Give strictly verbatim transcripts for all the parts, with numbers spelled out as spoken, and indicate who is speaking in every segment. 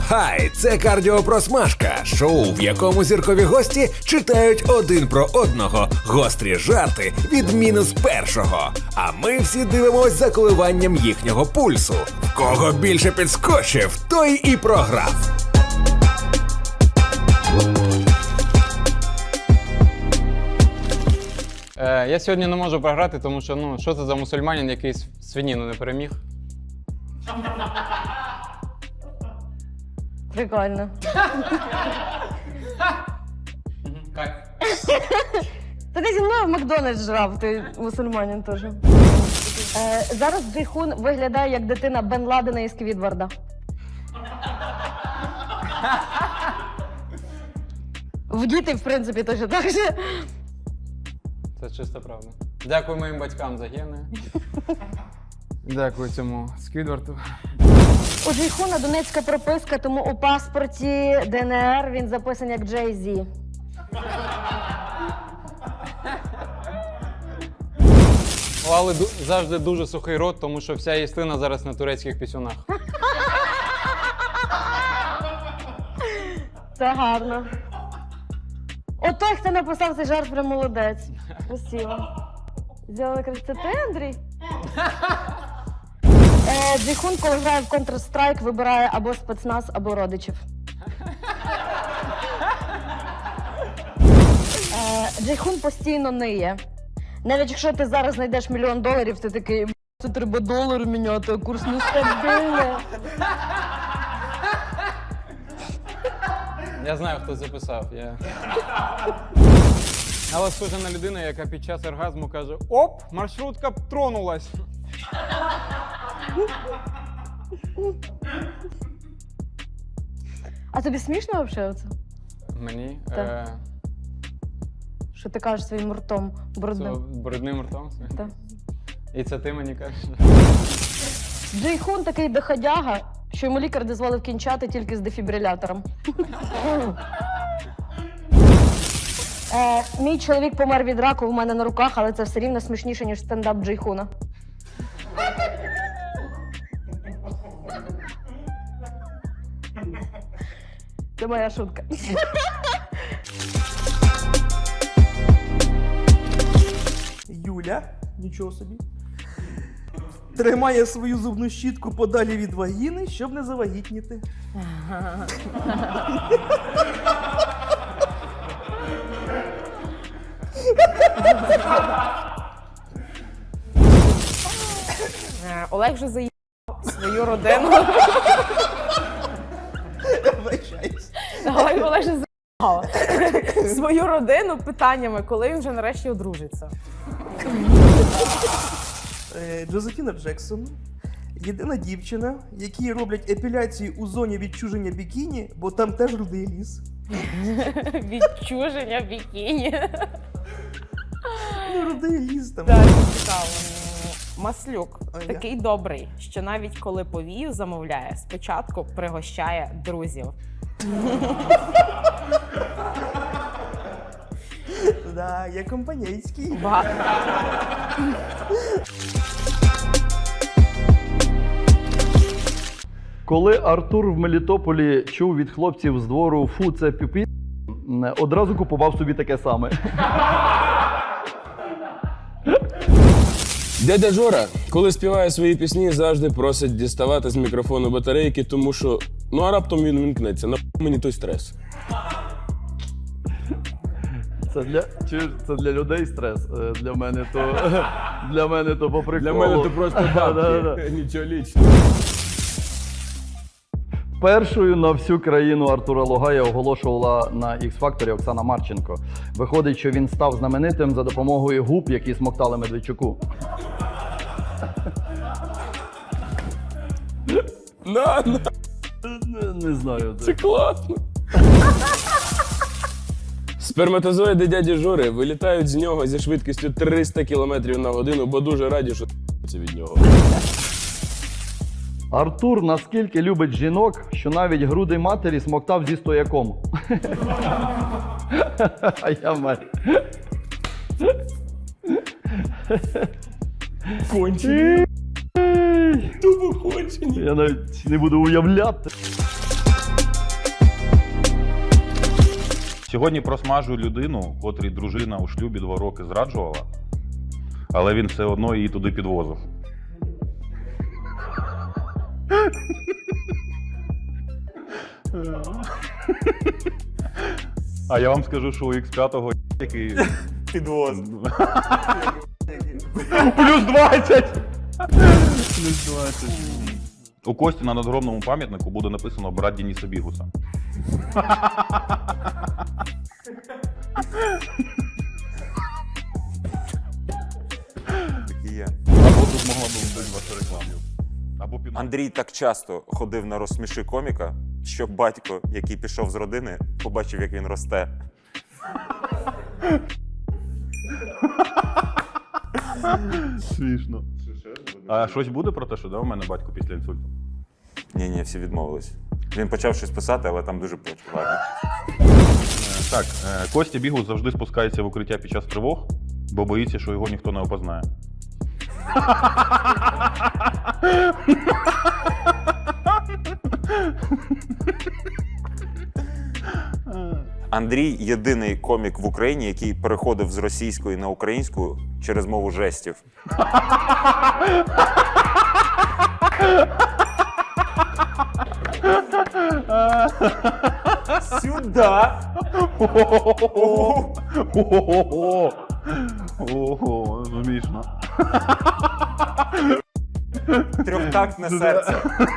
Speaker 1: Хай, це кардіопросмажка, шоу, в якому зіркові гості читають один про одного гострі жарти від мінус першого. А ми всі дивимось за коливанням їхнього пульсу. В кого більше підскочив, той і програв.
Speaker 2: Е, я сьогодні не можу програти, тому що, ну, що це за мусульманин, який свинину не переміг?
Speaker 3: Прикольно.
Speaker 2: Кайф.
Speaker 3: Та ти зі мною в Макдональдс жрав, ти мусульманин теж. Е, зараз Джейхун виглядає як дитина Бен Ладена із Сквідварда. В діти, в принципі, теж так же.
Speaker 2: Це чиста правда. Дякую моїм батькам за гени. Дякую цьому Сквідварту.
Speaker 3: У Джейхуна донецька прописка, тому у паспорті ДНР він записаний як Джей Зі.
Speaker 2: У Алли ду- завжди дуже сухий рот, тому що вся їстина зараз на турецьких пісюнах.
Speaker 3: Це гарно. От той, хто написав цей жарт, прям молодець. Красиво. Зробили красиво. Це ти, Андрій? Е, Джейхун, коли грає в Counter-Strike, вибирає або спецназ, або родичів. Е, Джейхун постійно ниє. Навіть якщо ти зараз знайдеш мільйон доларів, ти такий, «Б**, це треба долари міняти, а курс нестабільний».
Speaker 2: Я знаю, хто записав. Я... Але схожа на людину, яка під час оргазму каже: «Оп, маршрутка тронулась».
Speaker 3: А тобі смішно взагалі оце?
Speaker 2: Мені?
Speaker 3: Так.
Speaker 2: Е...
Speaker 3: Що ти кажеш своїм ртом брудним?
Speaker 2: Це брудним ртом?
Speaker 3: Так.
Speaker 2: І це ти мені кажеш?
Speaker 3: Джейхун такий доходяга, що йому лікар дозволив кінчати тільки з дефібрилятором. е, мій чоловік помер від раку у мене на руках, але це все рівно смішніше, ніж стендап Джейхуна. Це моя шутка.
Speaker 4: Юля, нічого собі, тримає свою зубну щітку подалі від вагіни, щоб не завагітніти.
Speaker 5: Е, Олег вже заїхав свою родину.
Speaker 4: Вибачаюсь.
Speaker 5: Олег, Олег вже заїхав свою родину питаннями, коли він вже нарешті одружиться.
Speaker 4: Е, Джозефіна Джексон – єдина дівчина, якій роблять епіляцію у зоні відчуження бікіні, бо там теж рудий ліс.
Speaker 5: Відчуження бікіні.
Speaker 4: Ну, рудий ліс там.
Speaker 5: Так, цікаво. Маслюк
Speaker 4: Ой,
Speaker 5: такий добрий, що навіть коли повію замовляє, спочатку пригощає друзів.
Speaker 4: Да, я компанійський.
Speaker 5: Ба-
Speaker 6: Коли Артур в Мелітополі чув від хлопців з двору «фу, це піпі», одразу купував собі таке саме.
Speaker 7: Дядя Жора, коли співає свої пісні, завжди просить діставати з мікрофону батарейки, тому що, ну а раптом він вимкнеться, на мені той стрес.
Speaker 6: Це для, чи, це для людей стрес, е, для мене то, для мене то по приколу.
Speaker 7: Для мене то просто
Speaker 6: Да, да,
Speaker 7: бабки,
Speaker 6: да.
Speaker 7: нічого лічного.
Speaker 6: Першою на всю країну Артура Логая оголошувала на Ікс-факторі Оксана Марченко. Виходить, що він став знаменитим за допомогою губ, які смоктали Медведчуку.
Speaker 7: На, на,
Speaker 6: Не, не знаю.
Speaker 7: це класно. Сперматозоїди дяді Жори вилітають з нього зі швидкістю триста кілометрів на годину, бо дуже раді, що це від нього.
Speaker 6: Артур наскільки любить жінок, що навіть груди матері смоктав зі стояком. А я мать.
Speaker 7: Кончені. Тупо кончені.
Speaker 6: Я навіть не буду уявляти.
Speaker 8: Сьогодні просмажую людину, котрій дружина у шлюбі два роки зраджувала, але він все одно її туди підвозив. А я вам скажу, що у ікс п'ять який підвоз. Плюс двадцять! Плюс двадцять. У Кості на надгробному пам'ятнику буде написано «Брат Дениса Бігуса».
Speaker 9: Такі є.
Speaker 8: Або тут могла б бути ваша реклама. Або під...
Speaker 9: Андрій так часто ходив на розсміши коміка, що батько, який пішов з родини, побачив, як він росте.
Speaker 8: Смішно. А щось буде про те, що да, у мене батько після інсульту?
Speaker 9: Ні, ні, всі відмовились. Він почав щось писати, але там дуже почав. Ладно.
Speaker 8: Так, е, Костя Бігус завжди спускається в укриття під час тривог, бо боїться, що його ніхто не опознає.
Speaker 9: Андрій єдиний комік в Україні, який переходив з російської на українську через мову жестів. Сюда!
Speaker 8: Ого, смішно.
Speaker 9: Трьохтактне серце.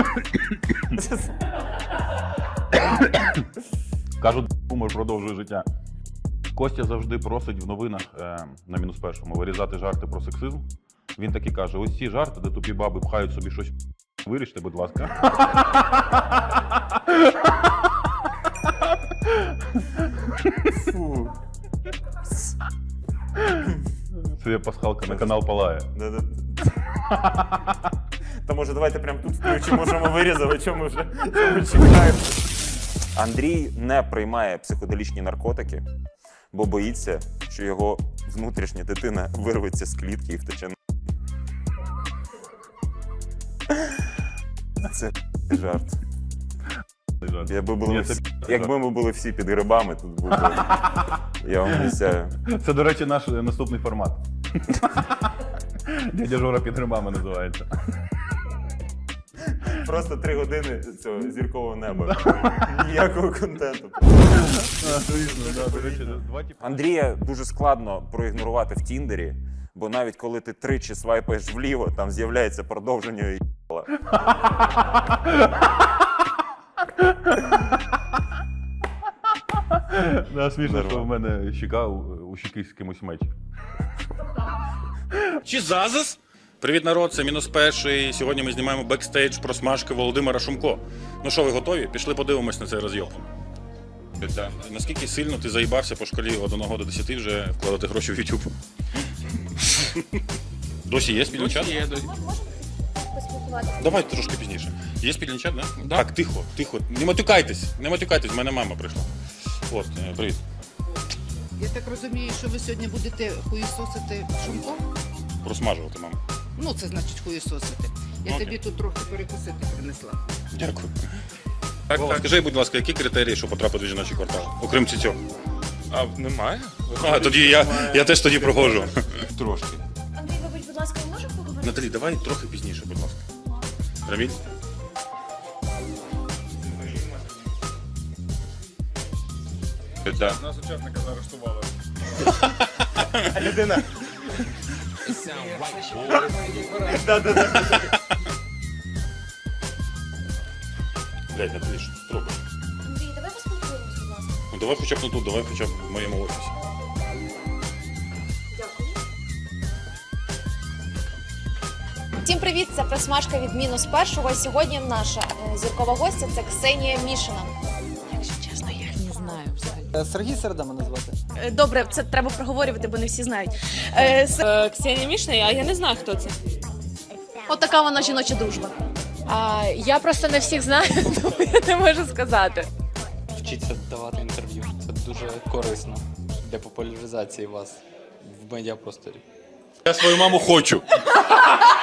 Speaker 8: Кажуть, гумор продовжує життя. Костя завжди просить в новинах е, на мінус першому вирізати жарти про сексизм. Він таки каже: ось ці жарти, де тупі баби пхають собі щось, виріште, будь ласка.
Speaker 9: Фу.
Speaker 8: Це є пасхалка на канал Палає.
Speaker 9: Та може давайте прямо тут включимо, можемо вирізати, чому ми вже чому чекаємо. Андрій не приймає психоделічні наркотики, бо боїться, що його внутрішня дитина вирветься з клітки і втече на. Це жарт. Якби, були
Speaker 8: Ні,
Speaker 9: всі,
Speaker 8: це
Speaker 9: якби ми були всі під грибами, тут був би, я вам обіцяю.
Speaker 8: Це, до речі, наш наступний формат. Дядя Жора під грибами називається.
Speaker 9: Просто три години цього зіркового неба. Ніякого контенту. Андрія дуже складно проігнорувати в Тіндері, бо навіть коли ти тричі свайпаєш вліво, там з'являється продовження і їбала.
Speaker 8: Да, смішно, що в мене щека у, у щеки з кимось меч.
Speaker 10: Чи Зазас? Привіт, народ, це мінус перший. Сьогодні ми знімаємо бекстейдж про смажки Володимира Шумко. Ну що, ви готові? Пішли подивимось на цей розйоб. Да. Наскільки сильно ти заїбався по шкалі від одного до десяти вже вкладати гроші в YouTube? Досі є спільний чат? Є, досі. Давай трошки пізніше. Є спільний чат, да? Да. Так, тихо, тихо. Не матюкайтесь, не матюкайтесь, в мене мама прийшла. От, е, привіт.
Speaker 11: Я так розумію, що ви сьогодні будете хуєсосити Шумко?
Speaker 10: Просмажувати, мама.
Speaker 11: Ну, це значить хуєсосити. Я
Speaker 10: Окей.
Speaker 11: тобі тут трохи перекусити принесла.
Speaker 10: Дякую. Так, так. Скажи, будь ласка, які критерії, щоб потрапити в жіночий квартал? Окрім цього.
Speaker 7: А немає?
Speaker 10: А, тоді я, я теж тоді проходжу.
Speaker 7: Трошки.
Speaker 3: Андрій, вибач, будь ласка, ми можемо поговорити?
Speaker 10: Наталі, давай трохи пізніше, будь ласка. Раміль? Да.
Speaker 7: Нас учасника заарештували.
Speaker 9: Людина.
Speaker 10: Блядь, Наталі, що ти робиш?
Speaker 3: Андрій, давай поспілкуємось, будь ласка.
Speaker 10: Ну давай хоча б не тут, давай хоча б в моєму офісі.
Speaker 12: Всім привіт! Це просмажка від мінус першого. Сьогодні наша е, зіркова гостя це Ксенія Мішина. Якщо чесно, я не знаю взагалі.
Speaker 13: Сергій Середа мене звати.
Speaker 12: Е, Добре, це треба проговорювати, бо не всі знають. Е, с... Ксенія Мішина, а я не знаю, хто це. От така вона жіноча дружба. А, я просто не всіх знаю, тому я не можу сказати.
Speaker 13: Вчіться давати інтерв'ю. Це дуже корисно для популяризації вас в медіапросторі.
Speaker 10: Я свою маму хочу.